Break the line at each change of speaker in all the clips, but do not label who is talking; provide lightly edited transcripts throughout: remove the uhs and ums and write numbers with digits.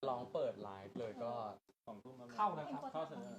ลองเปิดไลฟ์เลยก็2 ทุ่มเข้านะครับเข้าเสนอ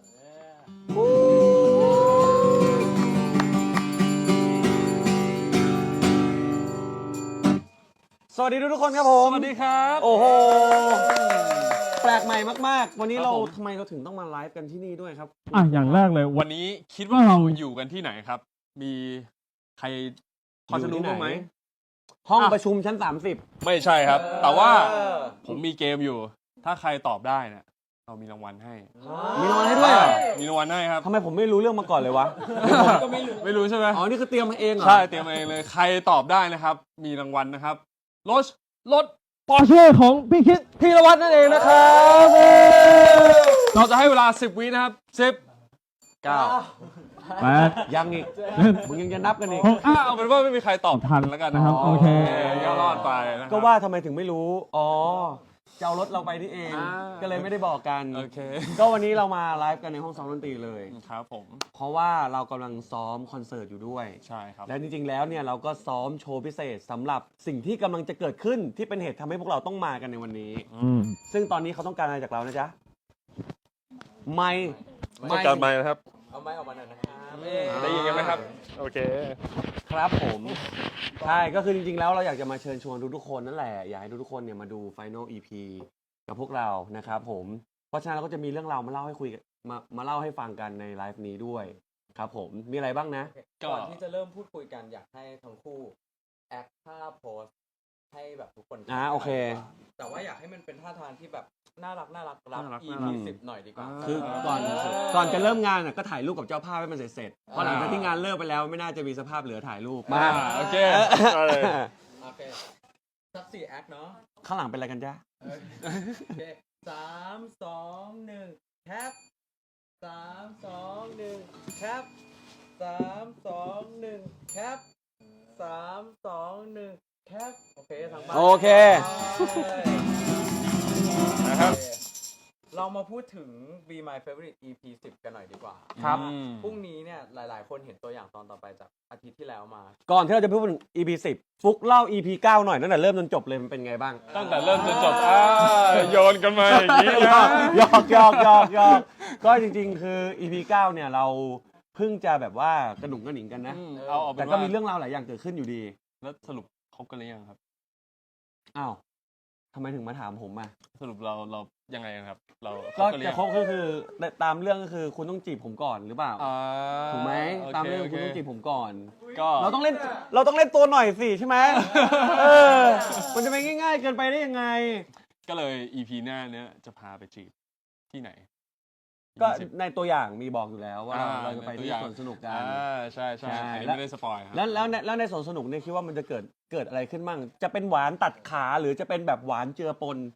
สวัสดีทุกคนครับผม
สวัสดีครับ
โอ้โหแปลกใหม่มากๆวันนี้เราทำไมเราถึงต้องมาไลฟ์กันที่นี่ด้วยครับ
อย่างแรกเลย
วันนี้คิดว่าเราอยู่กันที่ไหนครับมีใครพอจะรู้บ้างไหม
ห้องประชุมชั้น30
ไม่ใช่ครับแต่ว่าผมมีเกมอยู่ถ้าใครตอบได้เนี่ยเรามีรางวัลให้
มีรางวัลให้ด้วยเหรอ
มีรางวัลให้ครับ
ทำไมผมไม่รู้เรื่องมาก่อนเลยวะ
ก็ไม่รู้ใช่ไหม
อ๋อนี่คือเตรียมมาเองเหรอ
ใช่เตรียมมาเองเลยใครตอบได้นะครับมีรางวัลนะครับรถ
ปอร์เช่ของพี่คิด
พีรวัตรนั่นเองนะครับ
เราจะให้เวลา10 วินะครับ10 9
8
ยังอีกมึงยังจะนับกันอีก
เอาเป็นว่าไม่มีใครตอบทันแล้วกันนะครับ
โอเค
ก็รอดไปนะครับ
ก็ว่าทำไมถึงไม่รู้อ๋อจะเอารถเราไปนี่เองก็เลยไม่ได้บอกกัน
โอเค
ก็วันนี้เรามาไลฟ์กันในห้องซ้อมดนตรีเลย
ครับผม
เพราะว่าเรากำลังซ้อมคอนเสิร์ตอยู่ด้วย
ใช่ครับ
และจริงๆแล้วเนี่ยเราก็ซ้อมโชว์พิเศษสำหรับสิ่งที่กำลังจะเกิดขึ้นที่เป็นเหตุทำให้พวกเราต้องมากันในวันนี้ซึ่งตอนนี้เขาต้องการอะไรจากเรานะจ๊ะไมค์
ต้องการไมค์นะครับ
เอาไมค์ออกมาหน่อยนะครับ
ได้ยินกันไหมครับโอเค
ครับผมใช่ก็คือจริงๆแล้วเราอยากจะมาเชิญชวนทุกๆคนนั่นแหละอยากให้ทุกๆคนเนี่ยมาดู Final EP กับพวกเรานะครับผมเพราะฉะนั้นเราก็จะมีเรื่องราวมาเล่าให้คุยมาเล่าให้ฟังกันในไลฟ์นี้ด้วยครับผมมีอะไรบ้างนะ
ก่อนที่จะเริ่มพูดคุยกันอยากให้ทั้งคู่แอคท่าโพสให้แบบทุกคน
โอเค
แต่ว่าอยากให้มันเป็นท่าทางที่แบบน่ารักรับ EP 10หน่อยดีกว่า
คือก่อนจะเริ่มงานก็ถ่ายรูปกับเจ้าภาพให้มันเสร็จเพราะหลังจากที่งานเลิกไปแล้วไม่น่าจะมีสภาพเหลือถ่ายรูป
มาโอเค
โอเคสัก4 แอคเนาะ
ข้างหลังเป็นอะไรกันจ๊ะ
โอเค3 2 1แคป3 2 1แคป3 2 1แคป3 2 1แคปโอเคทางบ้าน
โอเค
นะครับ
เรามาพูดถึง Be My Favorite EP 10กันหน่อยดีกว่า
ครับ
พรุ่งนี้เนี่ยหลายๆคนเห็นตัวอย่างตอนต่อไปจากอาทิตย์ที่แล้วมา
ก่อนที่เราจะพูดถึง EP 10ฟุกเล่า EP 9หน่อยตั้งแต่เริ่มจนจบเลยมันเป็นไงบ้าง
ตั้งแต่เริ่มจนจบโยนกันมาอย่างนี้นะ
หยอกก็จริงๆคือ EP 9เนี่ยเราเพิ่งจะแบบว่ากระหนุ่งกระหนิงกันนะแต่ก็มีเรื่องราวหลายอย่างเกิดขึ้นอยู่ดี
แล้วสรุปคบกันหรือยังครับ
อ้าวทำไมถึงมาถามผมอ่ะ
สรุปเรายังไงครับเรา
ก็จะคบก็คือตามเรื่องก็คือคุณต้องจีบผมก่อนหรือเปล่าถูกไหมตามเรื่องคุณต้องจีบผมก่อน
ก็
เราต้องเล่นตัวหน่อยสิใช่ไหมมันจะไปง่ายๆเกินไปได้ยังไง
ก็เลย EP หน้าเนี้ยจะพาไปจีบที่ไหน
ก็ในตัวอย่างมีบอกอยู่แล้วว่าเราจะไปที่สวนสนุกกัน
ใช่ไม่ได้สปอยครับ
แล้วในสวนสนุกเนี่ยคิดว่ามันจะเกิดอะไรขึ้นมั่งจะเป็นหวานตัดขาหรือจะเป็นแบบหวานเจือปน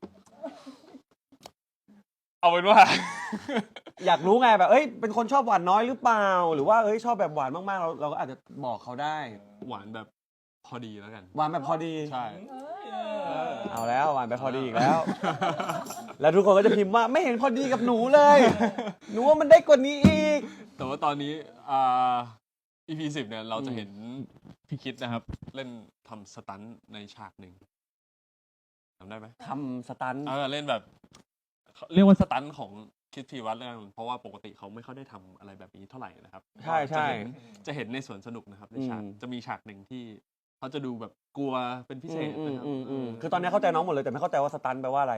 เอาเป็นว่า
อยากรู้ไงแบบเป็นคนชอบหวานน้อยหรือเปล่าหรือว่าชอบแบบหวานมากๆเราก็อาจจะบอกเขาได้
หวานแบบพอดีแล้วกัน
หวานแบบพอดี
ใช่
เอาแล้วหวานแบบพอดีอีกแล้วแล้วทุกคนก็จะพิมพ์ว่าไม่เห็นพอดีกับหนูเลยหนูว่ามันได้กว่านี้อีก
แต่ว่าตอนนี้EP 10เนี่ยเราจะเห็นพี่คิดนะครับเล่นทำสตันในฉากหนึ่งทำได้ไหม
ทำสตัน
เล่นแบบเรียกว่าสตันของคิดพีวัตรแล้วกันเพราะว่าปกติเขาไม่ค่อยได้ทำอะไรแบบนี้เท่าไหร่นะครับ
ใช่
จะเห็นในสวนสนุกนะครับในฉากจะมีฉากหนึ่งที่เขาจะดูแบบกลัวเป็นพิเศษนะครับ
คือตอนนี้เข้าใจน้องหมดเลยแต่ไม่เข้าใจว่าสตันแปลว่าอะไร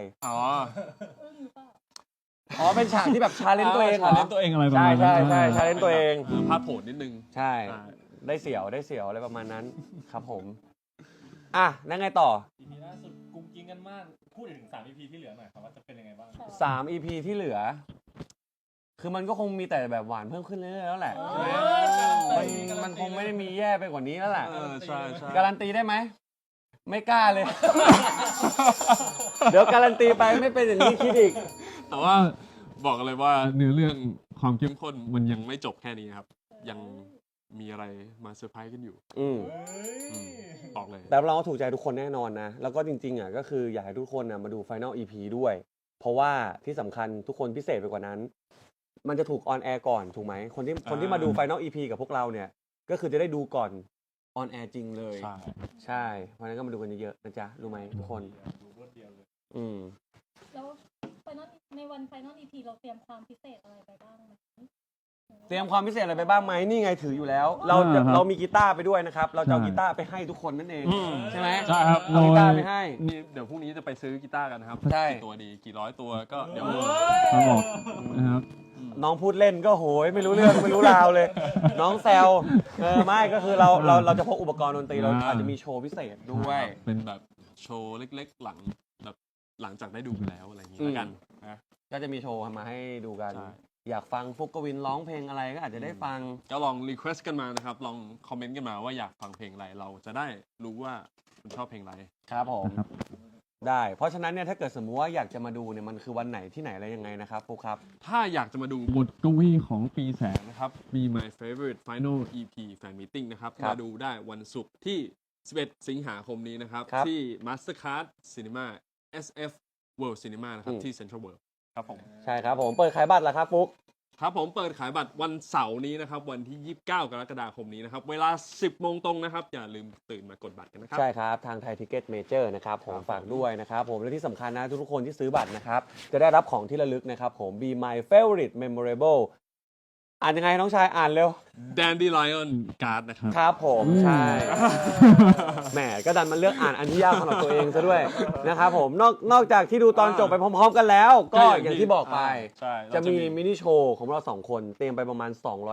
เป็นฉากที่แบบชาเลนจ์ตัวเอง
ชาเลนจ์ตัวเองอะไรประมาณ
นั้นใช่ชาเลนจ์ตัวเอง
พาดโผนนิดนึง
ใช่ได้เสียวอะไรประมาณนั้นครับผมนั่นไงต่อ
EP ล่าสุดกุ้งกิ้งกันมากพูดถึง3 EP ที่เหลือหน่อยครับว่าจะเป็นยังไงบ้าง
3 EP ที่เหลือคือมันก็คงมีแต่แบบหวานเพิ่มขึ้นเรื่อยๆแล้วแหละมันคงไม่ได้มีแย่ไปกว่านี้แล้วแหละ
ใช่
การันตีได้ไหมไม่กล้าเลย เดี๋ยวการันตีไปไม่เป็นอย่างนี้คิดอีก
แต่ว่าบอกเลยว่าเนื้อเรื่องความเข้มข้นมันยังไม่จบแค่นี้ครับยังมีอะไรมาเซอร์ไพรส์กันอยู่บอกเลย
แต่เราถูกใจทุกคนแน่นอนนะแล้วก็จริงๆก็คืออยากให้ทุกคนมาดู Final EP ด้วยเพราะว่าที่สำคัญทุกคนพิเศษไปกว่านั้นมันจะถูกออนแอร์ก่อนถูกไหมคนที่มาดู Final EP กับพวกเราเนี่ยก็คือจะได้ดูก่อนออนแอร์จริงเลยใช่เพราะฉะนั้นก็มาดูกันเยอะๆนะจ๊ะรู้ไหมทุกคน
รวดเดียวเลย
แล้ว Final ในวัน Final EP เราเตรียมความพิเศษอะไรไปบ้างไหม
เตรียมความพิเศษอะไรไปบ้างไหมนี่ไงถืออยู่แล้ว เรามีกีตาร์ไปด้วยนะครับ เราจะเอากีตาร์ไปให้ทุกคนนั่นเองใช่ไหม
ใช่ครับ
เอากีตาร์ไปให้
นี่เดี๋ยวพรุ่งนี้จะไปซื้อกีตาร์กันนะครับ
ใช่
กี่ตัวดีกี่ร้อยตัวก็เดี๋ยว
ครับบอกนะครับ
น้องพูดเล่นก็โหยไม่รู้เรื่องไม่รู้ราวเลย น้องแซวไม่ก็คือเราจะพกอุปกรณ์ดนตรีเราอาจจะมีโชว์พิเศษด้วย
เป็นแบบโชว์เล็กๆหลังจากได้ดูไปแล้วอะไรอย่างนี้แล้วกันนะ
ก็จะมีโชว์มาให้ดูกัน
ใช่
อยากฟังฟุกกวินร้องเพลงอะไรก็อาจจะได้ฟัง
ก็ลองรีเควสต์กันมานะครับ ลองคอมเมนต์กันมาว่าอยากฟังเพลงอะไรเราจะได้รู้ว่าคุณชอบเพลงอะไร
ครับผม
นะครับ
ได้ เพราะฉะนั้นเนี่ยถ้าเกิดสมมุติว่าอยากจะมาดูเนี่ยมันคือวันไหนที่ไหนอะไรยังไงนะครับฟุกครับ
ถ้าอยากจะมาดู
บทกวีของปีแสง
นะครับ มี My Favorite Final EP Fan Meeting นะครับ
ครับ
มาดูได้วันศุกร์ที่ 11 สิงหาคมนี้นะครับ
ครับ
ที่ Mastercard Cinema SF World Cinema นะครับ ที่ Central World ครับผม
ใช่ครับผมเปิดขายบัตรแล้วครับฟุก
ครับผมเปิดขายบัตรวันเสาร์นี้นะครับ วันที่ 29 กรกฎาคมนี้นะครับ เวลา 10 โมงตรงนะครับ อย่าลืมตื่นมากดบัตรกันนะครับ
ใช่ครับ ทางไทยทิเก็ตเมเจอร์นะครับผม
ครับ
ฝากด้วยนะครับผมและที่สำคัญนะทุกๆคนที่ซื้อบัตรนะครับ จะได้รับของที่ระลึกนะครับผม Be My Favorite Memorable อ่านยังไงน้องชายอ่านเร็ว
Dandelion Card นะครับ
ครับผมใช่ แหมก็ดันมันเลือกอ่านอันที่ยากสำหรับตัวเองซะด้วยนะครับผมนอกจากที่ดูตอนจบไปพร้อมๆกันแล้ว ก็อย่างที่บอกไป
ใช่
จะ
เรา
มีมินิโชว์ของเราสองคนเตรียมไปประมาณ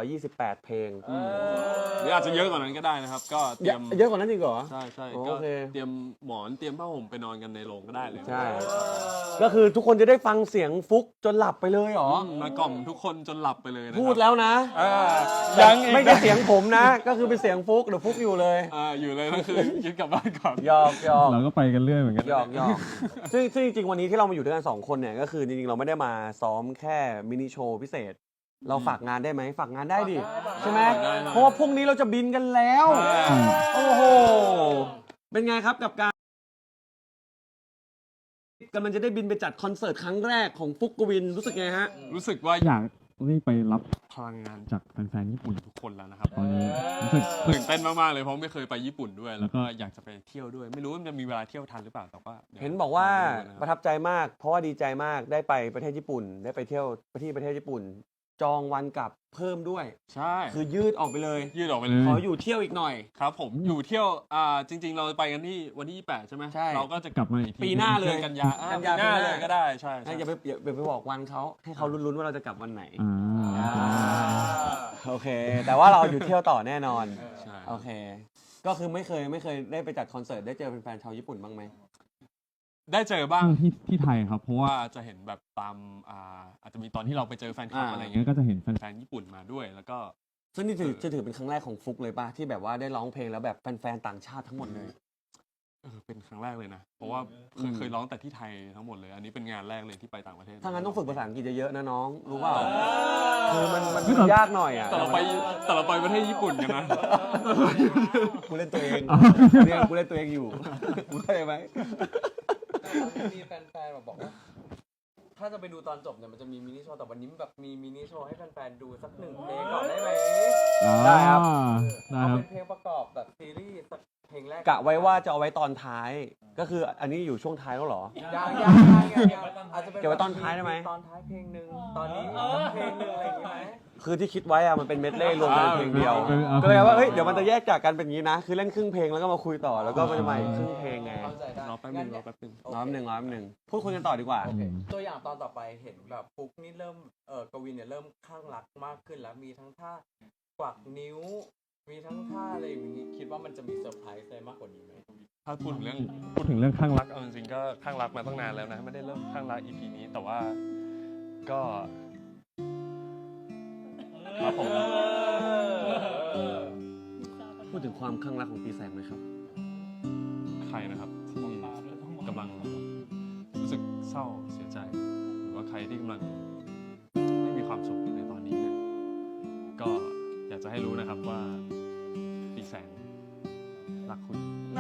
228 เพลง
หรืออาจจะเยอะกว่านั้นก็ได้นะครับ ก็เตรียม
เยอะกว่านั้นอีกเหรอ
ใช่ใช่
โอ
ก็
เค
เตรียมหมอนเตรียมผ้าห่มไปนอนกันในโรงก็ได้เลย
ใช่ ก็คือทุกคนจะได้ฟังเสียงฟุกจนหลับไปเลยเหรอ
มากล่อมทุกคนจนหลับไปเลยนะครับ
พูดแล้วนะ
ยังอีก
ไม่ใช่เสียงผมนะ ก็คือเป็นเสียงฟุกเดี๋ยวฟุกอยู่เลย
อยู่เลยก็คือคิดกลับบ้านก่อน
หยอกหยอก
เราก็ไปกันเรื่อยเหมือนกัน
หยอกหยอกซึ่งจริงๆวันนี้ที่เรามาอยู่ด้วยกัน2คนเนี่ยก็คือจริงๆเราไม่ได้มาซ้อมแค่มินิโชว์พิเศษ เราฝากงานได้ไหมฝากงานได้ดิใช่ไหม
ได้
เพราะว่าพรุ่งนี้เราจะบินกันแล้ว โอ้โห เป็นไงครับกับการกำลังจะได้บินไปจัดคอนเสิร์ตครั้งแรกของฟุกกวินรู้สึกไงฮะ
รู้สึกว่า
อยากรีบไปรับ
พลังงาน
จากแฟนๆญี่ปุ่น
ทุกคนแล้วนะครับ
ตอนนี้รู้สึก
ตื่นเต้นมากๆเลยเพราะไม่เคยไปญี่ปุ่นด้วย แล้วก็อยากจะไปเที่ยวด้วย ไม่รู้ว่ามันจะมีเวลาเที่ยวทันหรือเปล่าแต่ว่าดี๋ยว
เห็นบอกว่า
ลองดู
ประทับใจมาก เพราะว่าดีใจมากได้ไปประเทศญี่ปุ่น ได้ไปเที่ยวที่ประเทศญี่ปุ่น จองวันกลับเพิ่มด้วย
ใช่
คือยืดออกไปเลย
ยืดออกไปเลย
ขออยู่เที่ยวอีกหน่อย
ครับผมอยู่เที่ยวจริง ๆ เราไปกันที่วันที่ 28 ใช่ไหม
ใช่
เราก็จะ
กลับมาอีกที
ปีหน้าเลย
ดือนกันยา
กันยา
ปีหน้า
ปีหน้า
เลยก็ได้ใช่ใช่
อย่าไปบอกวันเขาให้เขาลุ้นๆว่าเราจะกลับวันไหน
อ่า
โอเค แต่ว่าเราอยู่เที่ยวต่อแน่นอน
ใช่
โอเค ก็คือไม่เคยได้ไปจัดคอนเสิร์ตได้เจอแฟนๆชาวญี่ปุ่นบ้างไหม
ได้เจอบ้าง
ที่ไทยครับเพราะว่า
ว่าจะเห็นแบบตามอาจจะมีตอนที่เราไปเจอแฟนคลับ
อ่า
อะไร
อย่าง
เงี้
เงี้
ย
ยก็จะเห็นแฟน
แฟนญี่ปุ่นมาด้วยแล้วก็
ซึ่งนี่จะถือเป็นครั้งแรกของฟุกเลยป่ะที่แบบว่าได้ร้องเพลงแล้วแบบแฟนๆต่างชาติทั้งหมดเลย
เป็นครั้งแรกเลยนะ เพราะว่าเคยร้องแต่ที่ไทยทั้งหมดเลย อันนี้เป็นงานแรกเลยที่ไปต่างประเทศ
ถ้างั้นต้องฝึกภาษาอังกฤษเยอะๆนะน้อง รู้เปล่าคือมันยากหน่อยอ่ะ
แต่เราไปประเทศญี่ปุ่นกันนะ
กูเล่นตัวเองเนี่ยกูเล่นตัวเองอยู่กูเข้าใจไหม
มีแฟนๆบอกว่า ถ้าจะไปดูตอนจบเนี่ยมันจะมีมินิโชว์แต่วันนี้แบบมีมินิโชว์ให้แฟนๆดูสัก1 เพลงก่อนได้ไหม
ได้ครับ
ได้
เอา
ครับ
เป็นเพลงประกอบแบบซีรีส์สักเพลงแรก
กะไว้ว่าจะเอาไว้ตอนท้าย ก็คืออันนี้อยู่ช่วงท้ายแล้วเหรอ
ยังอาจจะเป็น
เก็บไว้ตอนท้ายได้ไหม
ตอนท้ายเพลงหนึ่งตอนนี้อีกสักเพลงหนึ่งอะไรอย่างงี้ไหม
คือที่คิดไว้อะมันเป็นเมดเล่รวมกันเพลงเดียว
เอา
ก็เลยว่าเฮ้ยเดี๋ยวมันจะแยกจากกันเป็นอย่างนี้นะ คือเล่นครึ่งเพลงแล้วก็มาคุยต่อแล้วก็มันจะมาอีกครึ่งเพลงไง
เข้าใจได้
รอแป๊บนึงรอแป๊บนึง
ร้อยหนึ่งพูดคุยกันต่อดีกว่า
โอเคตัวอย่างตอนต่อไปเห็นแบบฟุกนี่เริ่มกวินเนี่ยเริ่มข้างรักมากขึ้นแล้วมีทั้งท่ากวักนิ้ว มีทั้งท่าอะไรอย่างนี้คิดว่ามันจะมีเซอร์ไพรส์อะไรมากกว่านี้ไหม
ถ้าพูดถึงเรื่อง
พูดถึงเรื่องข้างรัก
เอาจริงๆก็ข้างรักมาตั้งนานแล้วนะ ไม่ได้เริ่มข้างรัก EP นี้แต่ว่าก็ครับผม
พูดถึงความข้างรักของปีแสงไหมครับ
ใครนะครับที่กำลังรู้สึกเศร้าเสียใจ หรือว่าใครที่กำลังไม่มีความสุขอยู่ในตอนนี้เนี่ยก็อยากจะให้รู้นะครับว่าปีแสงรักคุณ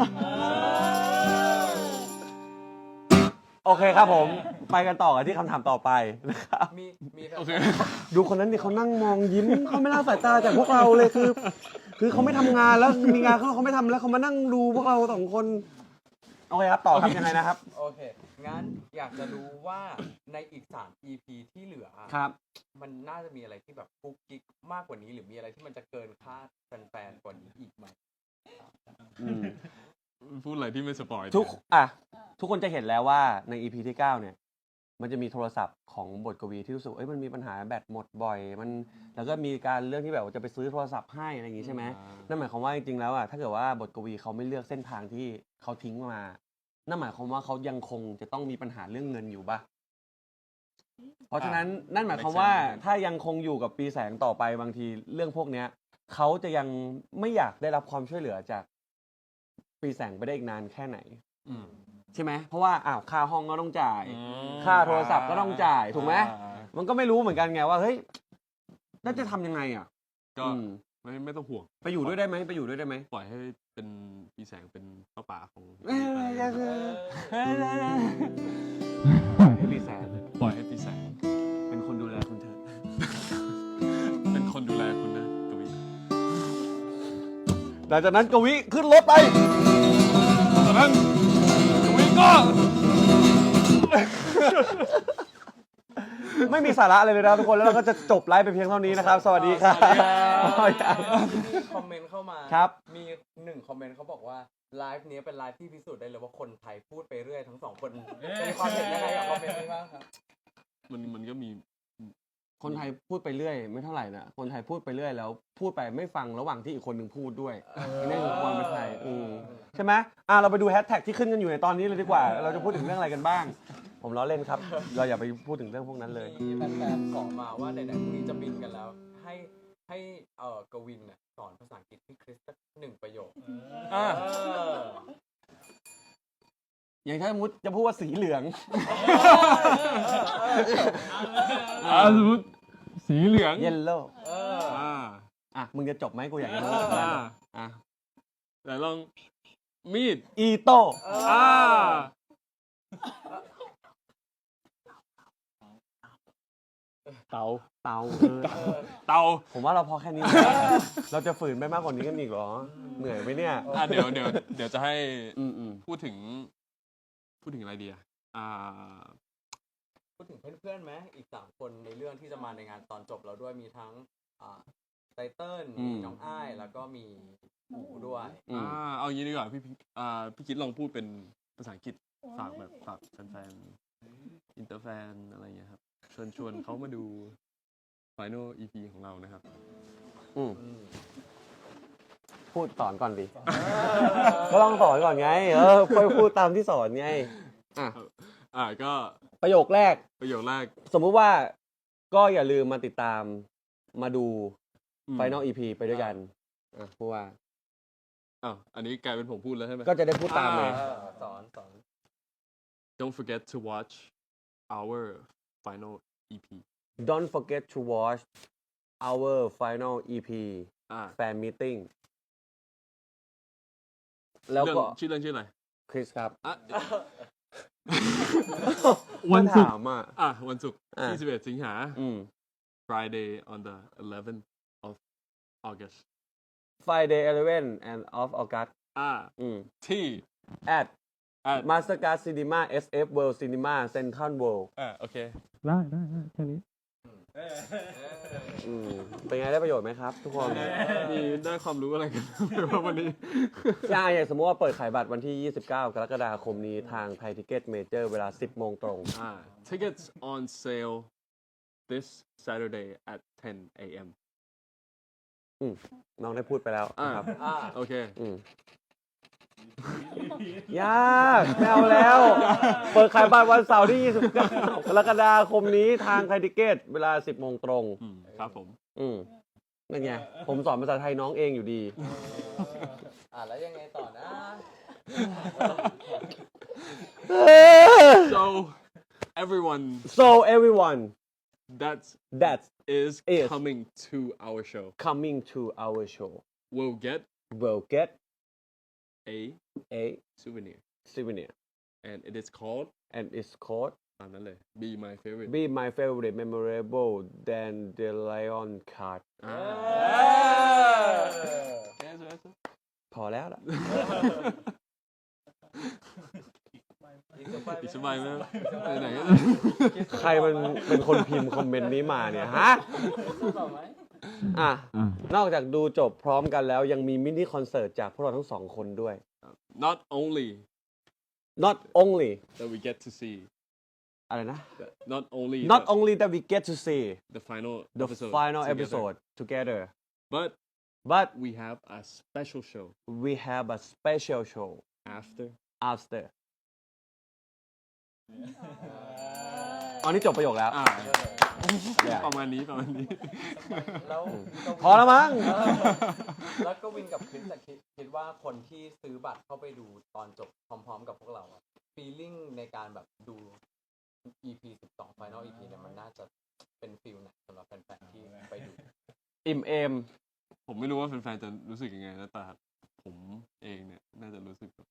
โอเคครับผมไปกันต่อกันที่คำถามต่อไปนะครับ
มีแฟน
โอเค
ดูคนนั้นดิเขานั่งมองยิ้มเขาไม่ละสายตาจากพวกเราเลยคือเขาไม่ทำงานแล้วมีงานเขาไม่ทำแล้วเขามานั่งดูพวกเรา2 คนโอเคครับต่อครับยังไงนะครับ
โอเค งั้นอยากจะรู้ว่าในอีก3 EP ที่เหลือ
ครับ
มันน่าจะมีอะไรที่แบบกุ๊กกิ๊กมากกว่านี้ หรือมีอะไรที่มันจะเกินคาดแฟนๆกว่านี้อีกไหม
อืม
พูดอะไรที่ไม่สปอย
ทุกอ่ะทุกคนจะเห็นแล้วว่าใน EP ที่ 9 เนี่ย มันจะมีโทรศัพท์ของบทกวีที่รู้สึกมันมีปัญหาแบตหมดบ่อยมันแล้วก็มีการเรื่องที่แบบว่าจะไปซื้อโทรศัพท์ให้อะไรอย่างงี้ใช่ไหมนั่นหมายความว่าจริงๆแล้วอ่ะถ้าเกิดว่าบทกวีเขาไม่เลือกเส้นทางที่เขาทิ้งมานั่นหมายความว่าเขายังคงจะต้องมีปัญหาเรื่องเงินอยู่ป่ะเพราะฉะนั้นนั่นหมายความว่าถ้ายังคงอยู่กับปีแสงต่อไปบางทีเรื่องพวกเนี้ยเขาจะยังไม่อยากได้รับความช่วยเหลือจากปีแสงไปได้อีกนานแค่ไหน
อืม
ใช่ไหมเพราะว่าค่าห้องก็ต้องจ่าย
อืม
ค่าโทรศัพท์ก็ต้องจ่ายถูกไหม
อ่า
มันก็ไม่รู้เหมือนกันไงว่าเฮ้ยน่าจะทำยังไงอ่ะ
ก็
อืม
ไม่ต้องห่วง
ไปอยู่ด้วยได้ไหมไปอยู่ด้วยได้ไหม
ปล่อยให้เป็นปีแสงเป็นป้าป่าของ
ให้พี่แสน
ปล่อยให้ปีแสง
เป็นคนดูแลคุณเถอะ
เป็นคนดูแลคุณนะกวี
หลังจากนั้นกวิขึ้นรถไป
ตอนนั้นกวีก็
ไม่มีสาระเลยนะทุกคนแล้วเราก็จะจบไลฟ์ไปเพียงเท่านี้นะครับ สวัสดีครับ
มีคอมเมนต์เข้ามา
ครับ
มี1 คอมเมนต์เขาบอกว่าไลฟ์นี้เป็นไลฟ์ที่พิสูจน์ได้เลยว่าคนไทยพูดไปเรื่อยทั้ง2 คนมีความเห็นยังไงกับคอมเมนต์นี้บ้างครับ
มันก็มี
คนไทยพูดไปเรื่อยไม่เท่าไหร่นะคนไทยพูดไปเรื่อยแล้วพูดไปไม่ฟังระหว่างที่อีกคนหนึ่งพูดด้วยนี่คือความเป็นไทยใช่ไหมเราไปดูแฮชแท็กที่ขึ้นกันอยู่ในตอนนี้เลยดีกว่า เราจะพูดถึงเรื่องอะไรกันบ้าง ผมล้อเล่นครับ เราอย่าไปพูดถึงเรื่องพวกนั้นเลย
มีแฟนๆขอมาว่าไหนๆพรุ่งนี้จะบินกันแล้ว ให้กวินน่ะสอนภาษาอังกฤษพี่คริสสัก1 ประโยค
อ่า
อย่างถ้าสมมติจะพูดว่าสีเหลือง
สมมติ
สีเหลือง
yellow มึงจะจบไหมกูอยากจะรู้
แต่ลองมีด
อีโต้
อ่า
เตาเตา
เตา
ผมว่าเราพอแค่นี้ เราจะฝืนไปมากกว่านี้กันอีกเหรอ เหนื่อยไหมเนี่ย
เดี๋ยวจะให้ พูดถึงอะไรดี
พูดถึงเพื่อนๆไหมอีก3 คนในเรื่องที่จะมาในงานตอนจบเราด้วยมีทั้งไตเติ้ลมีน้องอ้ายแล้วก็มีอูด้วย
เอางี้ดีกว่าพี่คิดลองพูดเป็นภาษาอังกฤษฝากแฟนๆอินเตอร์แฟนอะไรอย่างเงี้ยครับชวนเขามาดู Final EP ของเรานะครับ
พูดสอนก่อนดิ ก็ต้องสอนก่อนไง ค่อยพูดตามที่สอนไง
ก็
ประโยคแรก สมมุติว่าก็อย่าลืมมาติดตามมาดู Final EP ไปด้วยกันพูดว่า
อันนี้กลายเป็นผมพูดแล้วใช่ไหม
ก็จะได้พูดตามเลย
สอน
Don't forget to watch our final EP
Don't forget to watch our final EP fan meeting แล้วก็
ชื่ออะไร
คริสครับ
วันศุกร์
ถาม
วันศุกร์21 สิงหา Friday on the 11th of August
Friday 11 and of August
ที่
at Mastercard Cinema SF World Cinema Central World
โอเค
ได้แค่นี้
เป็นไงได้ประโยชน์ไหมครับ ทุกคน
มีได้ความรู้อะไรกันวันนี้
อย่างสมมติว่าเปิดขายบัตรวันที่ 29 กรกฎาคมนี้ทางไทยทิเก็ตเมเจอร์เวลา 10 โมงตรง
Tickets on sale this Saturday at 10 a.m.
น้องได้พูดไปแล้วนะครับ
โอเค
ยากไม่เอาแล้ว เปิดขายบัตรวันเสาร์ที่ 29 กรกฎาคมนี้ทางไทยทิเก็ตเวลา 10 โมงตรง
ครับผม
นั่นไง ผมสอนภาษาไทยน้องเองอยู่ดี
แล้วยังไงต่อนะ
so everyone that is coming to our show will get a souvenir and it is called ตามนั้นเลย Be my favorite
memorable dandelion card พอแล้วล่ะ
อีกสบายไหมไหนๆก็
ใครมันเป็นคนพิมพ์คอมเมนต์นี้มาเนี่ยฮะ
ต่อไหม
อ่ะ
อ่ะ
นอกจากดูจบพร้อมกันแล้วยังมีมินิคอนเสิร์ตจากพวกเราทั้งสองคนด้วย
not only
not only
that we get to see
อะไรนะ
not only
not only that we get to see
the final
the
episode
final
together,
episode together
but
but
we have a special show
we have a special show
after
after อันนี้จบประโยคแล้ว Yeah
ประมาณนี้
แล้ว
พอแล้วมั้ง
แล้วก็วินกับคริสอะคิดว่าคนที่ซื้อบัตรเข้าไปดูตอนจบพร้อมๆกับพวกเราอะฟีลลิ่งในการแบบดู EP 12 Final EP เนี่ยมันน่าจะเป็นฟีลไหนสำหรับแฟนๆที่ไปดู
อิ่มเอม
ผมไม่รู้ว่าแฟนๆจะรู้สึกยังไงนะแต่ผมเองเนี่ยน่าจะรู้สึก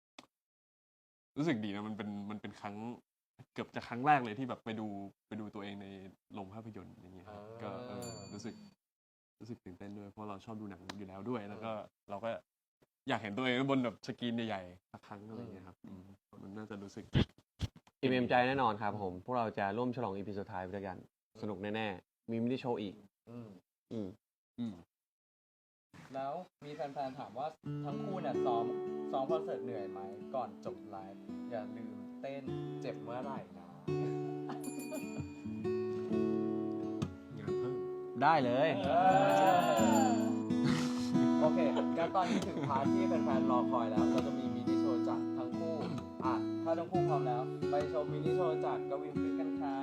ดีนะมันเป็นครั้งเกือบจะครั้งแรกเลยที่แบบไปดูตัวเองในโรงภาพยนตร์อย่างเงี้ยครับก็รู้สึกตื่นเต้นด้วยเพราะเราชอบดูหนังอยู่แล้วด้วย แล้วก็เราก็อยากเห็นตัวเองบนแบบสกรีนใหญ่ๆสักครั้งอะไรอย่างเงี้ยครับมันน่าจะรู้สึก
อิ่มเอมใจแน่นอนครับผม พวกเราจะร่วมฉลอง EP สุดท้ายไปด้วยกัน สนุกแน่ๆ มีมินิโชว์อีก
อืม
อืม
แล้วมีแฟนๆถามว่าทั้งคู่เนี่ยซ้อมคอนเสิร์ตเหนื่อยไหมก่อนจบไลฟ์อย่าลืมเต้นเจ็บเมื่อไหร่นะ
งานเพิ่ม
ได้เลย
โอเคงั้นตอนนี้ถึงพาร์ทที่แฟนๆรอคอยแล้ว เราจะมีมินิโชว์จากทั้งคู่ถ้าทั้งคู่พร้อมแล้ว ไปชมมินิโชว์จากกวินคริสกันค่ะ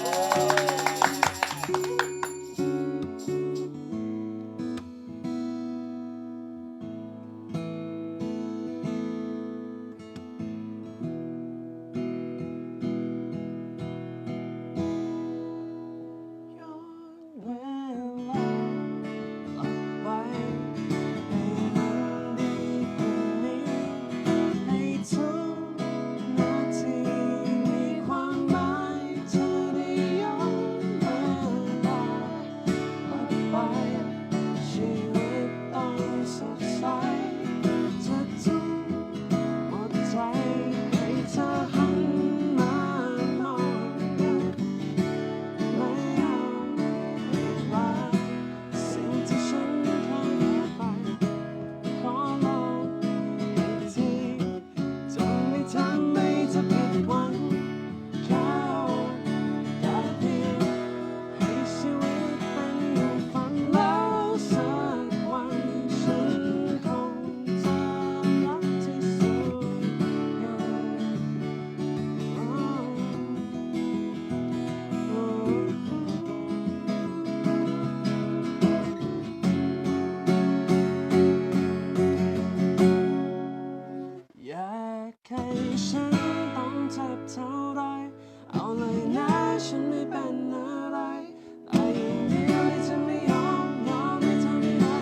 อยากให้ฉันต้องเจ็บเท่าไรเอาเลยนะฉันไม่เป็นอะไรแต่อย่างเดียวที่จะไม่ยอมให้เธอไม่ได้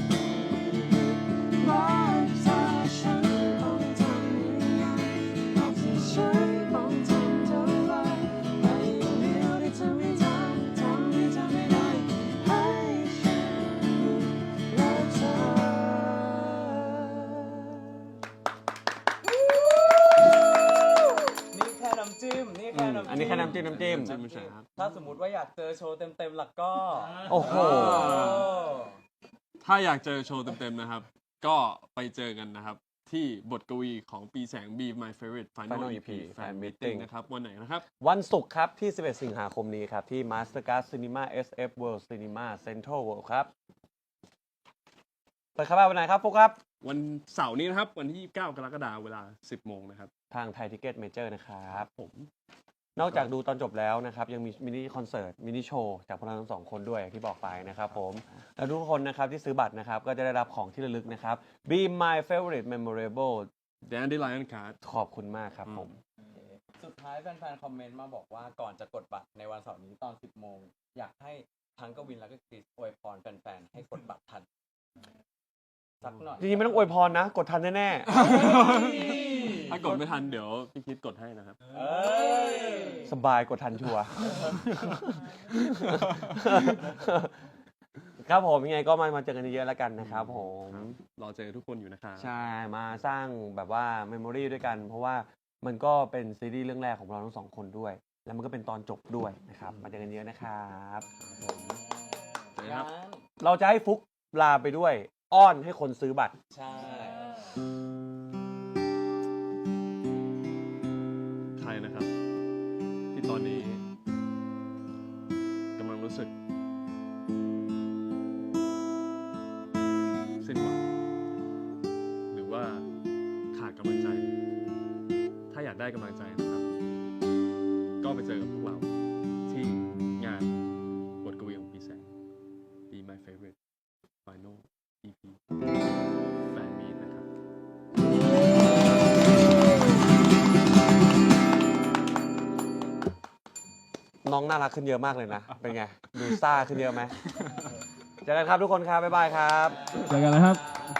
รักเธอฉันต้องทำยังไงบอกที่ฉันต้องทำเท่าไรแต่อย่างเดียวที่จะไม่ทำให้เธอไม่ได้ให้ฉันรักเธอ
นี่แค่น้ำจิ้ม นี่แค่น้ำจิ้ม
อันนี้แค่น้ำจิ้ม
ไม่ใช่ครับ
ถ้าสมมุติว่าอยากเจอโชว์เต็มๆหลักก็
โอ้โห
ถ้าอยากเจอโชว์เต็มๆนะครับ ก็ไปเจอกันนะครับ ที่บทกวีของปีแสง Be My Favorite Final
Final
EP
EP
Fan
Fan
Meeting
Meeting
นะครับ วันไหนนะครับ
วันศุกร์ครับที่ 11 สิงหาคมนี้ครับ ที่ Mastercard Cinema SF World Cinema Central World ครับเปิดครับวันไหนครับฟุกครับ
วันเสาร์นี้นะครับ วันที่ 29 กรกฎาคมเวลา 10 โมงนะครับ
ทางไทยทิเก็ตเมเจอร์นะครับ
ผม
นอกจากดูตอนจบแล้วนะครับ ยังมีมินิคอนเสิร์ตมินิโชว์จากพวกเราทั้งสองคนด้วยอย่างที่บอกไปนะครับผม และทุกคนนะครับที่ซื้อบัตรนะครับ ก็จะได้รับของที่ระลึกนะครับ Be My Favorite Memorable
Dandelion Card
ขอบคุณมากครับผม
สุดท้ายแฟนๆ คอมเมนต์มาบอกว่าก่อนจะกดบัตรในวันเสาร์นี้ตอน 10 โมง อยากให้ทั้งกวินแล้วก็คริสอวยพรแฟนๆ ให้กดบัตรทัน สักหน่อย
จริงๆไม่ต้องอวยพรนะ กดทันแน่
ถ้ากดไม่ทันเดี๋ยวพี่คิดกดให้นะครับ
เอ้ย
ๆ สบายกดทันชัวร์ ครับผมยังไงก็มาเจอกันเยอะๆแล้วกันนะครับผม
รอเจอทุกคนอยู่นะครับ
ใช่ มาสร้างแบบว่าเมมโมรีด้วยกัน เพราะว่ามันก็เป็นซีรีส์เรื่องแรกของเราทั้งสองคนด้วย แล้วมันก็เป็นตอนจบด้วยนะครับ มาเจอกันเยอะนะครับ
เจอกันครับ
งั้น
เราจะให้ฟุกลาไปด้วย อ้อนให้คนซื้อบัตร
ใช่
ใครนะครับ ที่ตอนนี้กำลังรู้สึกสิ้นหวังหรือว่าขาดกำลังใจ ถ้าอยากได้กำลังใจนะครับ ก็ไปเจอกับพวกเราที่งานบทกวีของพี่แสง Be My Favorite Final EP Fan Meet นะครับ
น้องน่ารักขึ้นเยอะมากเลยนะ เป็นไง ดูซ่าขึ้นเยอะไหมเจอกันครับทุกคนครับ บ๊ายบายครับ
เจอกันนะครับ